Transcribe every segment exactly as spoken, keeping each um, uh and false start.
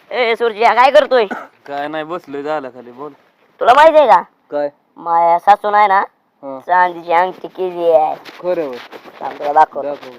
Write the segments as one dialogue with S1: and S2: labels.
S1: ए सुरजिया काय करतोय?
S2: काय नाही बसलोय झालं खाली. बोल.
S1: तुला माहिती आहे का
S2: काय?
S1: माया सासून आहे ना
S2: हा.
S1: चांदीची अंगठी केली आहे.
S2: खरं होय.
S1: थांब तुला दाखव.
S2: दाखव.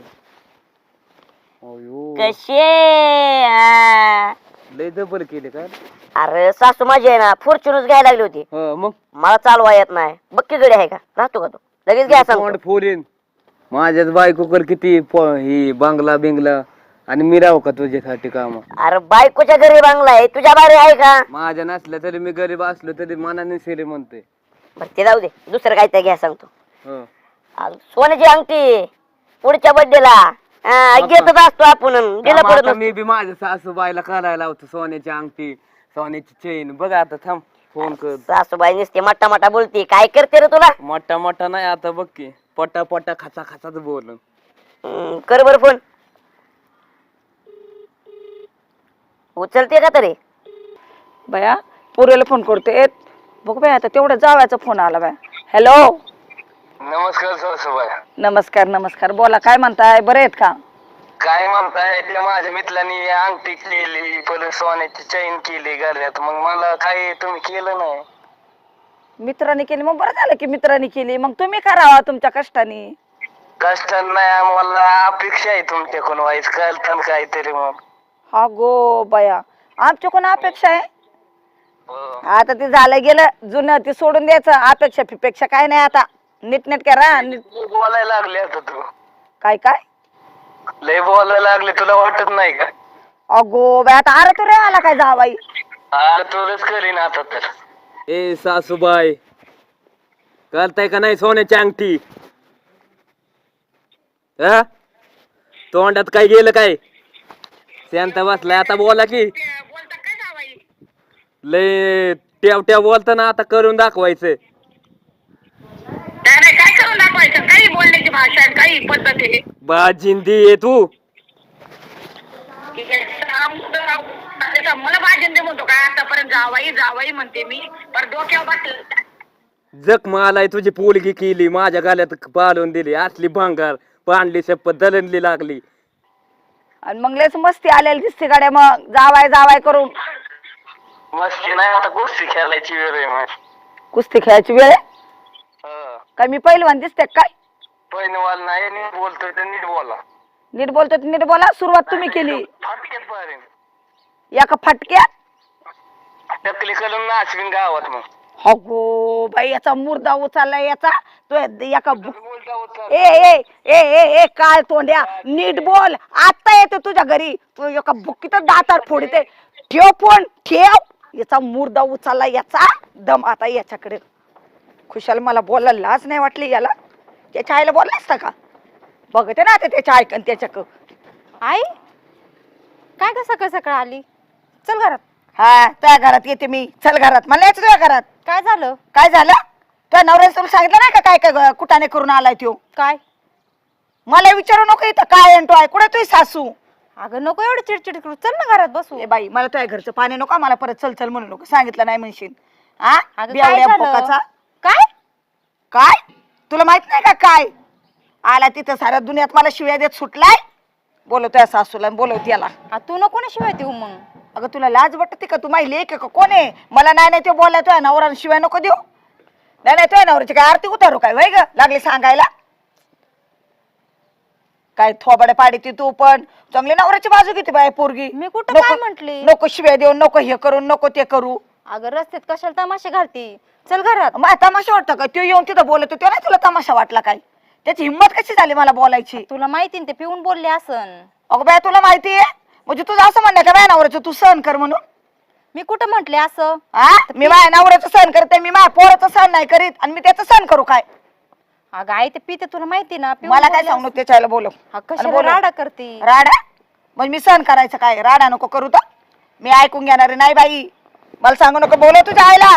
S2: अयो.
S1: कशी आहे?
S2: लय डबल केले काय?
S1: अरे सासू माझी आहे ना फॉर्च्युनच घ्यायला लागली होती.
S2: हा मग
S1: मला चालवा येत नाही. बक्की गडी आहे का? राहतो का तू? लगेच घ्या सांगतो.
S2: तोंड फोडीन. माझ्याच बायको कर किती प- ही बांगला बिंगला आणि मी राहू का तुझ्यासाठी काम?
S1: अरे बायकोच्या घरी बांगला आहे तुझ्या बारी आहे का?
S2: माझ्या नसल्या तरी मी गरीब असलो तरी मनाने सेरे म्हणते.
S1: बरं ते जाऊ दे दुसरं काय तर घ्या सांगतो.
S2: हं.
S1: अरे सोन्याची अंगठी पुढच्या बर्थडेला घेतच असतो आपण गेला
S2: थांब
S1: पडत
S2: आता
S1: नसतो.
S2: मी बी माझ्या सासूबाईला करायला लावतो सोन्याची अंगठी सोन्याची चेन. बघ आता थांब फोन कर.
S1: सासूबाई नुसते मट्टा मट्टा बोलती काय करते रे तुला?
S2: मोठा मोठा नाही आता बघ की पटा पटा खाचा खाचाच बोल.
S1: हम्म, कर बर फोन. उचलते का तरी?
S3: बया पोरीला फोन करते. बघ बाय आता तेवढा जावायचा फोन आला बाय. हॅलो
S4: नमस्कार सासूबाई.
S3: नमस्कार नमस्कार. बोला काय म्हणताय? बरे आहेत का?
S4: काय म्हणताय? त्या माझ्या मित्रांनी अंगठी केली परत सोन्याची चैन केली गळ्यात. मग मला काय तुम्ही केलं नाही?
S3: मित्रांनी केली मग बरं झालं की मित्रांनी केली. मग तुम्ही करावा तुमच्या कष्टाने.
S4: कष्ट नाही आम्हाला अपेक्षा आहे तुमच्याकडून व्हायच करताना काहीतरी. मग
S3: हा गो बया आमच्या कोण अपेक्षा आहे?
S4: हो.
S3: आता ते झालं गेलं जुनं ते सोडून द्यायचं. अपेक्षा फिपेक्षा काय नाही आता. नीट नेट करा. नीट
S4: लय बोलायला लागले आता तू.
S3: काय काय
S4: लय बोलायला लागले तुला वाटत नाही का?
S3: अगो बाय आता अरे तू रे आला काय जावाई?
S4: अरे तुलाच करीन आता तर.
S2: ए सासूबाई करताय का नाही सोन्याची अंगठी? हा तोंडात काय गेलं काय? शांत बसलाय आता बोला की. लय टेव टेव बोलता ना आता करून दाखवायचं.
S5: काय करून दाखवायचं? काही बोलण्याची भाषा आहे, काही पद्धत आहे.
S2: बाजिंदी आहे तू.
S5: मला भाजंदे म्हणतो काय? आतापर्यंत जावाई जावाई म्हणते मी पण डोक्यावर बसलं.
S2: जख मालाय तुझी पोलगी केली माझ्या गाल्यात पालवून दिली असली भांगार पांडली शपथ दलनली लागली.
S3: आणि मग लयच मस्ती आलेली दिसते गाड्या मग जावाय जावाय करून.
S4: मस्ती नाही आता गोष्टी खेळायची वेळ आहे. मग
S3: कुस्ती खेळायची वेळ आहे?
S4: हा.
S3: काय मी पहिलवान दिसते काय?
S4: पहिनवाल नाही नीट बोलतोय तर नीट बोला.
S3: नीट बोलतो तर नीट बोला. सुरुवात तुम्ही केली
S4: फाटक्यात पाहिजे
S3: एका फटक्यात.
S4: टकली करून नाचवीन गावात. मग
S3: हो गो बाई याचा मुर्दा उचललाय याचा. तो एका बु-
S4: बोलता होता.
S3: ए ए ए ए ए काय तोंड्या नीट बोल. आता येतो तुझ्या घरी तू एका बुक्कीत दातार फोडते. ठेव फोन ठेव. याचा मुर्दा उचलला याचा दम आता याच्याकडे. खुशाल मला बोलायला लाज नाही वाटली याला. त्याच्या आईला बोलला असता का? बघते ना आता त्याच्या ऐकन त्याच्याक.
S6: आई काय का सकाळ सकाळ आली? चल घरात.
S3: हा तुझ्या घरात येते मी. चल घरात. मला यायचं तुझ्या घरात.
S6: काय झालं?
S3: काय झालं? तुझ्या नवऱ्याने तुला सांगितलं नाही का काय काय कुठाने करून आलाय तो?
S6: काय?
S3: मला विचारू नको इथं काय आणतो आहे कुठे तुझी सासू?
S6: अगं नको एवढं चिडचिड करू. चल ना घरात बसू.
S3: ए बाई मला तुझ्या घरचं पाणी नको. मला परत चल चल म्हणू नको. सांगितलं नाही म्हणशील. हा
S6: अगं,
S3: बेवड्या
S6: काय झालं?
S3: भोकाचा.
S6: काय?
S3: काय तुला माहित नाही का काय आला तिथं साऱ्या दुनियात मला शिव्या देत सुटलाय. बोलवतोय सासूला बोलवते याला.
S6: आ, तू नको ना शिवाय देऊ मग.
S3: अगं तुला लाज वाटते का? तू माहिती लेक का कोण आहे? मला नाही नाही ते बोललाय तुझ्या नवरा शिवाय नको देऊ. नाही नाही तुझ्या नवऱ्याची काय आरती उतारू काय वय ग लागली सांगायला? काय थोबाडे पाडी ती तू पण चांगली नवऱ्याची बाजू घेते बाय पोरगी.
S6: मी कुठं
S3: नको-
S6: काय म्हंटली?
S3: नको शिव्या देऊ नको हे करू नको ते करू.
S6: अगं रस्त्यात कशाला तमाशा घालती? चल घरात.
S3: मग तमाशा वाटतं का? तो येऊन तिथं बोलतो तो नाही तुला तमाशा वाटला काय? त्याची हिंमत कशी झाली मला बोलायची?
S6: तुला माहिती ना ते पिऊन बोलले असन.
S3: अगं बाय तुला माहिती आहे म्हणजे तुझं असं म्हणणं का बाय नवऱ्याचं तू सहन कर म्हणून?
S6: मी कुठं म्हंटले असं?
S3: हा मी माझ्या नवऱ्याचं सहन करते. मी माझ्या पोराचं सहन नाही करीत आणि मी त्याचं सहन करू काय?
S6: अगं आई ते पिते तुला माहिती ना. पिऊन
S3: मला काय
S6: बोलले
S3: सांगू
S6: असन.
S3: त्याच्याला बोलव.
S6: हा,
S3: आणि
S6: कशाला
S3: बोलव.
S6: राडा करती?
S3: राडा मग मी सहन करायचं काय? राडा नको करू तर मी ऐकून घेणार नाही बाई. मला सांगू नको. बोलव तुझ्या आईला.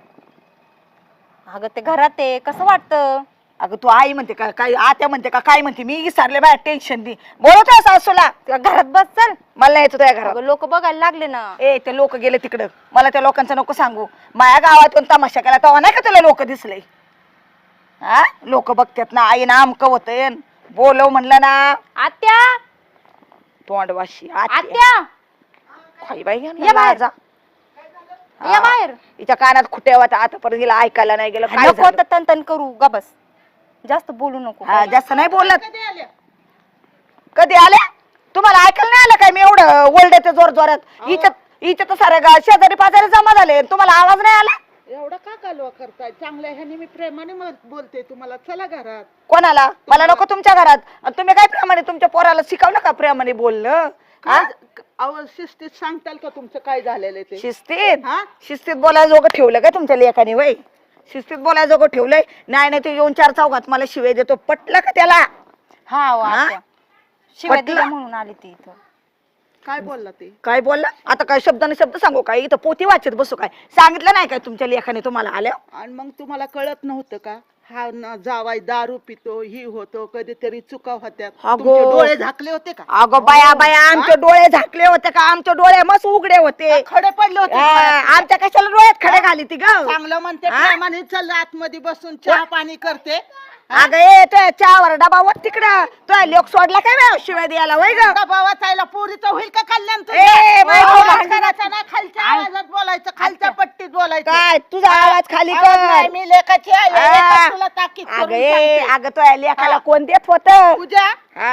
S6: अगं ते घरात आहे कसं वाटतं?
S3: अगं तू आई म्हणते का काय आत्या म्हणते का काय म्हणते? मी विसरले बाय टेन्शन दे. बोलवतोय सासूला.
S6: तुला घरात बस चल.
S3: मला नाही यायचं तुझ्या घरात.
S6: अगं लोक बघायला लागले ना.
S3: ए ते लोक गेले तिकडं. मला त्या लोकांचं नको सांगू. माझ्या गावातून तमाशा केला तेव्हा नाही का तुला लोक दिसले? हा लोक बघतात ना आई ना आमक होतय. बोलव म्हणलं ना.
S6: आत्या
S3: तोंडवाशी
S6: आत्या
S3: खाई बाई यांना
S6: या बाहेर.
S3: लाजा.
S6: या
S3: हा.
S6: बाहेर.
S3: हिच्या कानात खुट्या होत्या आतापर्यंत हिला ऐकायला नाही गेलं काय
S6: नको
S3: झालं?
S6: तर तन तन करू गा बस. जास्त बोलू नको.
S3: हा, जास्त नाही बोलत. कधी आल्या तुम्हाला ऐकायला नाही आलं काय मी एवढं ओरडते जोर जोरात? हिच्या हिच्या तर सारे गा- शेजारी पाजारी जमा झाले तुम्हाला आवाज नाही आला?
S7: एवढा का कालवा करताय? चांगल्या ह्याने मी प्रेमाने मग बोलते तुम्हाला. चला घरात.
S3: कोणाला? मला नको तुमच्या घरात. आणि तुम्ही काय प्रेमाने तुमच्या पोराला शिकवलं का प्रेमाने बोलणं? हा?
S7: अहो शिस्तीत सांगताल का तुमचं काय झालेलं ते?
S3: शिस्तीत
S7: हा?
S3: शिस्तीत बोलायला जोगं ठेवलं का तुमच्या लेखाने? वय शिस्तीत बोलायला जोगं ठेवलंय? नाही नाही, तू येऊन चार चौघात मला शिवे देतो. पटलं का त्याला?
S6: हा हो,
S3: हा?
S6: आत्या. शिवाय
S3: पटलं?
S6: दिल्या म्हणून आली ती इथं.
S7: काय बोलला ते?
S3: काय बोलला? आता काय शब्दाने शब्द सांगू काय? इथं पोती वाचत बसू काय? सांगितलं नाही काय तुमच्या लेखाने तुम्हाला आल्या?
S7: आणि मग तुम्हाला कळत नव्हतं का? हा न जावाय दारू पितो, ही होतो, कधीतरी चुका होत्यात.
S3: अगो.
S7: तुमचे डोळे झाकले होते का?
S3: अगं बाया बाया, आमचे डोळे झाकले होते का? आमचे डोळे मस्त उघडे होते.
S7: खडे पडले होते
S3: आ,
S7: डोळ्यात.
S3: आमच्या कशाला डोळ्यात खडे घाली ती ग?
S7: चांगलं म्हणते
S3: हा?
S7: प्रेमाने. चल आतमध्ये बसून चहा पाणी करते.
S3: अगं ए तो चहावर डबा वर तिकडं तो लोक सोडला काय बा शिवाय द्यायला? वय ग
S7: बाबा ताईला पोरीचं होईल का कल्याण? तुझं?
S3: ए, बाई,
S7: आवाज
S3: बाई,
S7: करायचा नाही, खालच्या आवाजात बोलायचं, खालच्या पट्टीत बोलायचं.
S3: काय तुझा आवाज खाली
S7: आवाज
S3: कर.
S7: नाही, मी लेखाची आहे,
S3: आ.
S7: लेखात तुला ताकीद
S3: अगं
S7: करून
S3: ए
S7: सांगते.
S3: अगं तो लेखाला कोण देत होत?
S7: पूजा,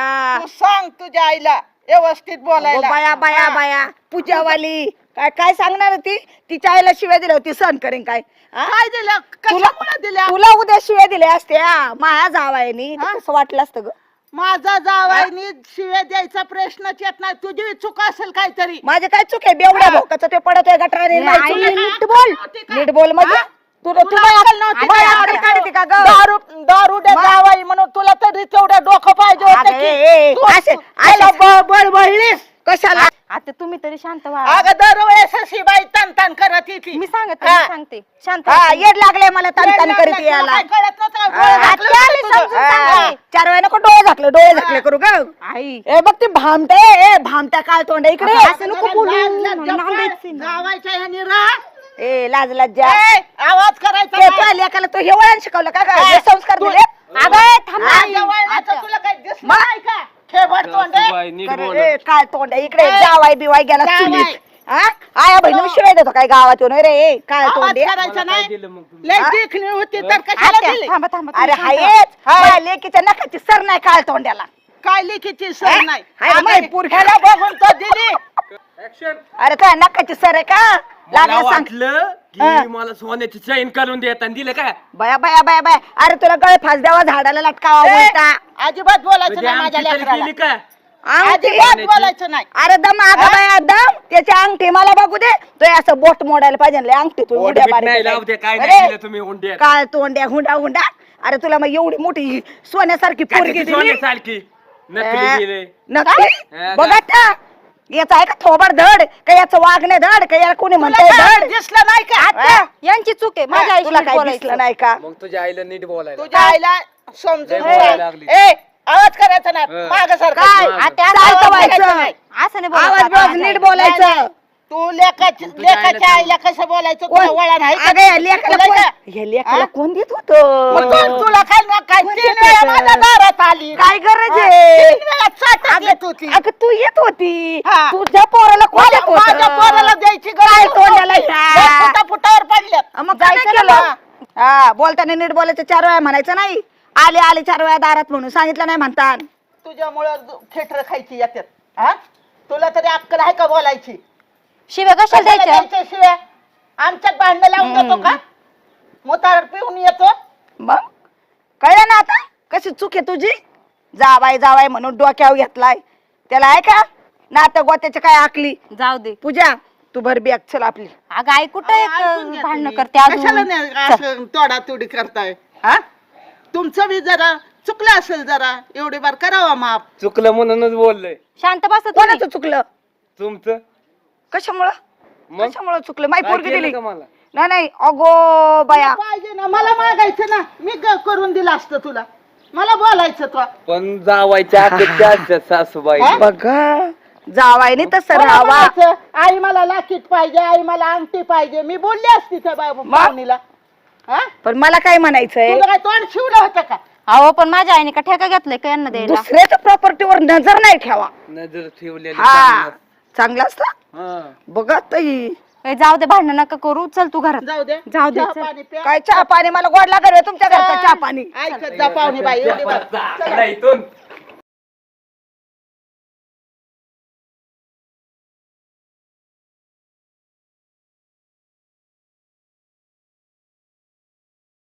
S7: तू सांग तुझ्या आईला व्यवस्थित बोलायला.
S3: बाया बाया
S7: हा.
S3: बाया पूजावाली काय काय सांगणार ती? तिच्या आईला शिव्या दिल्या होती सहन करेन काय? हा?
S7: काय दिलं?
S3: तुला
S7: कशामुळे दिल्या?
S3: तुला उद्या शिव्या दिल्या असत्या माया जावायनी तर कसं वाटलं असतं ग?
S7: माझा जावायनी शिव्या द्यायचा प्रश्नच येत नाही. तुझी चूक असेल काहीतरी.
S3: माझे काय चूक आहे? बेवड्या
S7: हा.
S3: भोकाचं ते पडतोय गटाराने.
S7: नाही,
S3: नाही,
S7: तुला काय
S3: नीट
S7: अक्कल
S3: बोल.
S7: नव्हती का?
S3: नीट बोल म्हणजे
S7: हा?
S3: तुला
S7: तुला
S3: तुला
S7: अक्कल नव्हती
S3: तुला
S7: का?
S3: अक्कल काढते का ग?
S7: दारू दारू दे जावाई म्हणून तुला तरी तेवढं डोकं पाहिजे
S3: अगं,
S7: होतं
S3: ए, ए,
S7: की तू-
S3: असे-
S7: त्याला
S3: असे-
S7: ब- बळबळलीस.
S3: कशाला?
S6: आता तुम्ही तरी शांत व्हा.
S7: अगं दरवेळेस अशी बाई तन तन करत येते.
S6: मी सांगते
S7: हा.
S6: मी सांगते शांत
S3: हा
S6: व्हा.
S3: येड लागले मला तन तन करीत
S7: तुला
S3: यायला.
S7: काय कळत नव्हतं का?
S3: हा.
S7: डोळे झाकले
S6: आत्या,
S7: होते
S6: मी
S7: तुझं.
S6: समजून
S7: हा.
S6: सांगते.
S3: चार वेळा नको डोळे झाकले डोळे झाकले करू ग.
S6: आई
S3: ए बघ ती भामटे ए भामट्या काय तोंड आहे इकडे.
S6: असं नको बोलू.
S7: लाज- लाज
S6: मला
S7: जपाय.
S6: नांदायचं नाही.
S7: जावायच्या ह्यानी राह.
S3: ए लाज लज्जा.
S7: ए, आवाज करायचा
S3: ते
S7: नाही.
S3: तुझ्या लेकाला तो हे वळण शिकवलं का काय?
S7: हा.
S3: हे संस्कार
S7: तू-
S3: दिले?
S6: अगं थांब ना.
S7: माझ्या वळणाचं तुला काही दिसलं
S3: मग?
S7: नाही का? खेबड तोंड आहे.
S2: सासूबाई, नीट
S3: अरे,
S2: बोल.
S3: ए, काय तोंड आहे इकडे?
S7: ए,
S3: जावाय बिवाय गेला
S7: जावाई.
S3: चुलीत. हा? आया बहिणी शिवाय देतो काय गावात येऊन? रे ए, काय
S7: आवाज
S3: तोंड आहे?
S7: करायचा
S2: मला काय
S7: नाही.
S2: दिलं मग तुम्ही?
S7: लय
S3: हा?
S7: देखणी होती तर कशाला
S6: आत्या,
S7: दिली?
S6: थांबा थांबा
S3: अरे
S6: तुम्ही शांत व्हा.
S3: हायच माझ्या लेकीच्या नखाची सर नाही काळ तोंड्याला.
S7: काय लिखीची सर नाही.
S3: हाय ना,
S7: अगं,
S3: माई पोरगी.
S7: ह्याला बघून तर दिली.
S2: Action.
S3: अरे तुझ्या नखाची सर आहे का?
S2: मला
S3: लागलं सांग.
S2: वाटलं
S3: हा.
S2: की मला सोन्याची चैन करून देत आणि दिलं काय
S3: बया बया बया बया अरे तुला गळ फास द्यावा झाडाला लटकावा
S7: ए,
S3: बोलता.
S7: अजिबात बोलायचं
S2: म्हणजे
S7: नाही माझ्या
S2: आमची तरी
S7: लेकराला.
S2: केली का?
S3: अंगठी.
S7: अजिबात बोलायचं नाही.
S3: अरे दम आगा बाया दम त्याची अंगठी मला बघू दे. तो असं बोट मोडायला पाहिजे ना, लय अंगठी तू
S2: पोट
S3: उड्या
S2: बीट नाही लावू दे, काय
S3: अरे,
S2: नाही दिलं तुम्ही हुंड्यात.
S3: काय तोंड्या हुंडा हुंडा. अरे तुला मग एवढी मोठी सोन्यासारखी पोरगी
S2: त्याची
S3: दिली.
S2: सोन्यासारखी नकली दिले.
S3: नक्की
S2: हा,
S3: बघा ना याचा आहे का थोबड धड का याचं वागणे धड का याला कोणी
S7: तुला
S3: म्हणतंय
S7: काय
S3: धड?
S7: दिसलं नाही का?
S3: हा?
S6: यांची चूक आहे माझ्या
S3: हा, तुला
S6: आईशी
S3: काय
S6: बोलायचं.
S3: दिसलं नाही का?
S2: मग तुझ्या आईला नीट बोलायला.
S7: तुझ्या आईला समजून
S2: लय बोलायला
S7: सांग.
S2: लागली.
S7: ए, आवाज करायचा नाही.
S2: हा.
S7: मागं सरका.
S3: काय?
S2: मागं.
S6: आत्या,
S3: चालतं
S6: आवाज
S3: व्हायचं.
S6: करायचा नाही. असं नाही बोलायचं
S3: आवाज
S6: आता
S3: बिवाज
S6: माझ्या
S3: नीट
S6: आईला.
S3: बोलायचं.
S7: तू लेखाची
S2: तुझ्या आईला
S7: लेखाच्या
S2: सांग.
S7: आईला कसं बोलायचं
S3: कोण?
S7: तुला वळण आहे का?
S3: अगं या लेकाला
S7: तुला
S3: कोण-
S7: का?
S3: या लेकाला
S7: हा?
S3: कोण देत
S7: मग
S3: होतं?
S7: कोण तुला काय ना काय
S3: कोण
S7: तीन
S3: देत
S7: वेळा
S3: होतं?
S7: माझ्या दारात आली.
S3: काय गरज
S7: हा,
S3: आहे?
S7: तीन वेळा चाटत येत होती.
S3: अगं तू येत होती
S7: हा.
S3: तुझ्या पोराला कोण
S7: माझ्या
S3: देत होतं?
S7: माझ्या पोराला द्यायची
S3: काय
S7: गरज
S3: तोंडाला
S7: नव्हती.
S3: ह्या?
S7: लय फुटा फुटावर पडल्यात.
S3: अं, मग काय
S7: जायचं
S3: केलं?
S7: ना.
S3: हा बोलताना नीट बोलायचं चार वेळा म्हणायचं नाही. आले आले चार वेळा दारात म्हणून सांगितलं नाही म्हणतात.
S7: तुझ्यामुळं खेटर खायची येतात. हा तुला तरी अक्कल आहे का बोलायची?
S6: शिव्या कशाला
S7: कशाला
S6: द्यायच्या
S7: द्यायच्या शिवाय? आमच्यात भांडण लावून देतो का? मोतार पिऊन येतो.
S3: मग कळलं ना आता कशी चूक आहे तुझी? जावाय जावाय म्हणून डोक्यावर घेतलाय त्याला आहे का नाटक गोत्याची काय आकली?
S6: जाऊ दे.
S3: पूजा तू भर बॅग चल आपली.
S6: अगं आई कुठं
S7: ऐकून घ्या
S6: भांडणं
S7: तुम्ही.
S6: करते
S7: कशाला
S6: अजून
S7: नाही असं तोडातोडी करताय? हा तुमचं बी जरा चुकलं असेल जरा एवढी बार करावा माफ.
S2: चुकलं म्हणूनच बोललोय.
S6: शांत बस तुम्ही.
S3: कोणाचं चुकलं?
S2: तुमचं
S3: कशामुळं
S2: मग
S3: कशामुळं चुकलं? माई
S2: काय
S3: पोरगी
S2: केलं
S3: दिली
S2: का मला?
S3: नाही नाही अगो बाया
S7: पाहिजे ना मला मागायचं ना मी ग- करून दिलं असतं तुला. मला बोलायचं तो
S2: पण जावायच्या अपेक्षा असतात सासूबाई.
S7: हा?
S3: बघा जावायने तसं
S7: मला
S3: राहावा.
S7: म्हणायचं, आई मला लाकीट पाहिजे आई मला अंगठी पाहिजे. मी बोलली असती त्या बाबा पाहुणीला. हा
S3: पण मला काय म्हणायचंय
S7: तुला काय तोंड शिवलं होतं का?
S6: अहो पण माझ्या आईने का ठेका घेतलाय का यांना द्यायला?
S3: दुसऱ्याच्या प्रॉपर्टीवर नजर नाही ठेवा.
S2: नजर ठेवलेली
S3: हा
S2: चांगलं.
S3: चांगला असता
S2: हा.
S3: बघा ताई
S6: ए, जाऊ दे भांडण नका करू चल तू घरात
S7: जाऊ दे
S6: जाऊ दे,
S7: चहा
S6: चल.
S7: पाणी प्या.
S3: काय चहा पाणी मला गोड लागत तुमच्या घरचा चहा पाणी
S7: ऐकत जा पाहुणे बाई एवढी बार.
S2: जा, इथून